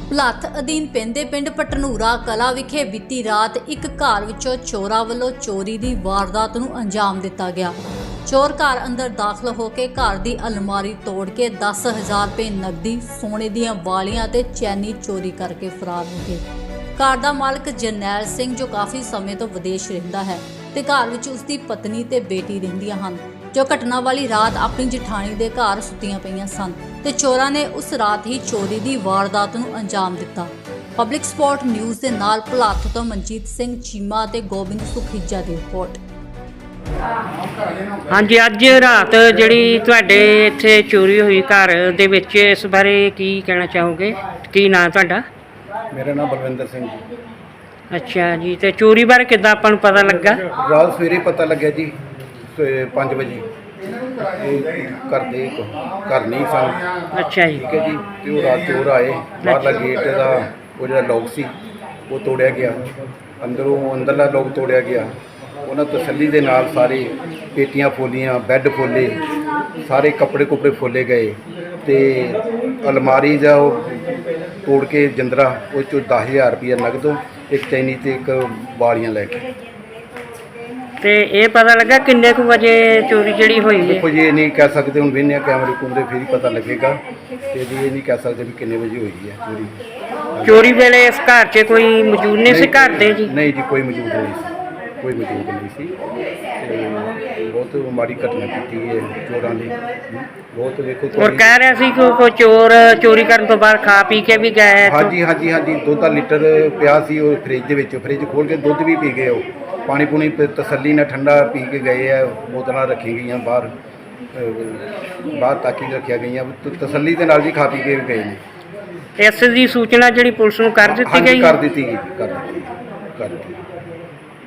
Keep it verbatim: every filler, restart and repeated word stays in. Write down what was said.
ਭੁਲੱਥ ਅਧੀਨ ਪੈਂਦੇ ਪਿੰਡ ਪਟਨੂਰਾ ਕਲਾ ਵਿਖੇ ਬੀਤੀ ਰਾਤ ਇੱਕ ਘਰ ਵਿੱਚੋਂ ਚੋਰਾਂ ਵੱਲੋਂ ਚੋਰੀ ਦੀ ਵਾਰਦਾਤ ਨੂੰ ਅੰਜਾਮ ਦਿੱਤਾ ਗਿਆ। ਚੋਰ ਘਰ ਅੰਦਰ ਦਾਖਲ ਹੋ ਕੇ ਘਰ ਦੀ ਅਲਮਾਰੀ ਤੋੜ ਕੇ ਦਸ ਹਜ਼ਾਰ ਰੁਪਏ ਨਕਦੀ, ਸੋਨੇ ਦੀਆਂ ਵਾਲੀਆਂ ਤੇ ਚੈਨੀ ਚੋਰੀ ਕਰਕੇ ਫਰਾਰ ਹੋ ਗਏ। ਘਰ ਦਾ ਮਾਲਕ ਜਰਨੈਲ ਸਿੰਘ ਜੋ ਕਾਫੀ ਸਮੇਂ ਤੋਂ ਵਿਦੇਸ਼ ਰਹਿੰਦਾ ਹੈ ਤੇ ਘਰ ਵਿੱਚ ਉਸ ਦੀ ਪਤਨੀ ਤੇ ਬੇਟੀ ਰਹਿੰਦੀਆਂ ਹਨ, ਜੋ ਘਟਨਾ ਵਾਲੀ ਰਾਤ ਆਪਣੀ ਜਠਾਣੀ ਦੇ ਘਰ ਸੁੱਤੀਆਂ ਪਈਆਂ ਸਨ ਤੇ ਚੋਰਾਂ ਨੇ ਉਸ ਰਾਤ ਹੀ ਚੋਰੀ ਦੀ ਵਾਰਦਾਤ ਨੂੰ ਅੰਜਾਮ ਦਿੱਤਾ। ਪਬਲਿਕ ਸਪੋਰਟ ਨਿਊਜ਼ ਦੇ ਨਾਲ ਭੁਲੱਥ ਤੋਂ ਮਨਜੀਤ ਸਿੰਘ ਚੀਮਾ ਤੇ ਗੋਬਿੰਦ ਸੁਖੀਜਾ ਦੀ ਰਿਪੋਰਟ। ਹਾਂਜੀ, ਅੱਜ ਰਾਤ ਜਿਹੜੀ ਤੁਹਾਡੇ ਇੱਥੇ ਚੋਰੀ ਹੋਈ ਘਰ ਦੇ ਵਿੱਚ, ਇਸ ਬਾਰੇ ਕੀ ਕਹਿਣਾ ਚਾਹੋਗੇ? ਕੀ ਨਾਂ ਤੁਹਾਡਾ? ਮੇਰਾ ਨਾਮ ਬਲਵਿੰਦਰ ਸਿੰਘ ਜੀ। ਅੱਛਾ ਜੀ, ਤੇ ਚੋਰੀ ਬਾਰੇ ਕਿੱਦਾਂ ਆਪਾਂ ਨੂੰ ਪਤਾ ਲੱਗਾ? ਰਾਤ ਸਵੇਰੇ ਪਤਾ ਲੱਗਿਆ ਜੀ ਪੰਜ ਵਜੇ। ਇਹ ਘਰ ਦੇ ਘਰ ਨਹੀਂ ਸਨ। ਅੱਛਾ ਜੀ, ਠੀਕ ਹੈ ਜੀ। ਤੇ ਉਹ ਰਾਤ ਚੋਰ ਆਏ, ਬਾਹਰਲਾ ਗੇਟ ਦਾ ਉਹ ਜਿਹੜਾ ਲੋਕ ਸੀ ਉਹ ਤੋੜਿਆ ਗਿਆ, ਅੰਦਰੋਂ ਅੰਦਰਲਾ ਲੋਕ ਤੋੜਿਆ ਗਿਆ। ਉਹਨਾਂ ਤਸੱਲੀ ਦੇ ਨਾਲ ਸਾਰੇ ਪੇਟੀਆਂ ਫੋਲੀਆਂ, ਬੈੱਡ ਫੋਲੇ, ਸਾਰੇ ਕੱਪੜੇ ਕੁਪੜੇ ਫੋਲੇ ਗਏ ਤੇ ਅਲਮਾਰੀ ਦਾ ਉਹ ਤੋੜ ਕੇ ਜੰਦਰਾ ਉਹ 'ਚੋਂ ਦਸ ਹਜ਼ਾਰ ਰੁਪਈਆ ਨਗਦ, ਇੱਕ ਚੈਨੀ ਤੇ ਇੱਕ ਵਾਲੀਆਂ ਲੈ ਕੇ। ਤੇ ਇਹ ਪਤਾ ਲੱਗਾ ਕਿੰਨੇ ਕੁ ਵਜੇ ਚੋਰੀ ਜਿਹੜੀ ਹੋਈ ਹੈ? ਦੇਖੋ ਜੀ, ਇਹ ਨਹੀਂ ਕਹਿ ਸਕਦੇ, ਹੁਣ ਵੇਖਦੇ ਹਾਂ ਕੈਮਰੇ ਕੁਮਰੇ ਫਿਰ ਹੀ ਪਤਾ ਲੱਗੇਗਾ। ਤੇ ਜੀ ਇਹ ਨਹੀਂ ਕਹਿ ਸਕਦੇ ਵੀ ਕਿੰਨੇ ਵਜੇ ਹੋਈ ਹੈ ਚੋਰੀ। ਚੋਰੀ ਵੇਲੇ ਇਸ ਘਰ 'ਚ ਕੋਈ ਮੌਜੂਦ ਨਹੀਂ ਸੀ ਘਰ ਦੇ ਜੀ? ਨਹੀਂ ਜੀ, ਕੋਈ ਮੌਜੂਦ ਨਹੀਂ ਸੀ, ਕੋਈ ਮੌਜੂਦ ਨਹੀਂ ਸੀ। ਤੇ ਬਹੁਤ ਮਾੜੀ ਘਟਨਾ ਕੀਤੀ ਹੈ ਚੋਰਾਂ ਨੇ। ਬਹੁਤ ਵੇਖੋ ਔਰ ਕਹਿ ਰਿਹਾ ਸੀ ਕਿ ਕੋਈ ਚੋਰ ਚੋਰੀ ਕਰਨ ਤੋਂ ਬਾਅਦ ਖਾ ਪੀ ਕੇ ਵੀ ਗਏ ਇੱਥੋਂ। ਹਾਂਜੀ ਹਾਂਜੀ ਹਾਂਜੀ, ਦੁੱਧ ਦਾ ਲੀਟਰ ਪਿਆ ਸੀ ਉਹ ਫਰਿੱਜ ਦੇ ਵਿੱਚ, ਫਰਿੱਜ ਖੋਲ੍ਹ ਕੇ ਦੁੱਧ ਵੀ ਪੀ ਗਏ। ਉਹ ਪਾਣੀ ਪੂਣੀ ਤਸੱਲੀ ਨਾਲ ਠੰਡਾ ਪੀ ਕੇ ਗਏ ਆ। ਬੋਤਲਾਂ ਰੱਖੀ ਗਈਆਂ ਬਾਹਰ, ਬਾਹਰ ਤਾਕੀ ਰੱਖੀਆਂ ਗਈਆਂ, ਤਸੱਲੀ ਦੇ ਨਾਲ ਜੀ ਖਾ ਪੀ ਕੇ ਵੀ ਗਏ ਨੇ। ਇਸ ਦੀ ਸੂਚਨਾ ਜਿਹੜੀ ਪੁਲਿਸ ਨੂੰ ਕਰ ਦਿੱਤੀ ਹਾਂਜੀ, ਗਈ? ਕਰ ਦਿੱਤੀ ਗਈ, ਕਰ ਦਿੱਤੀ ਕਰ ਦਿੱਤੀ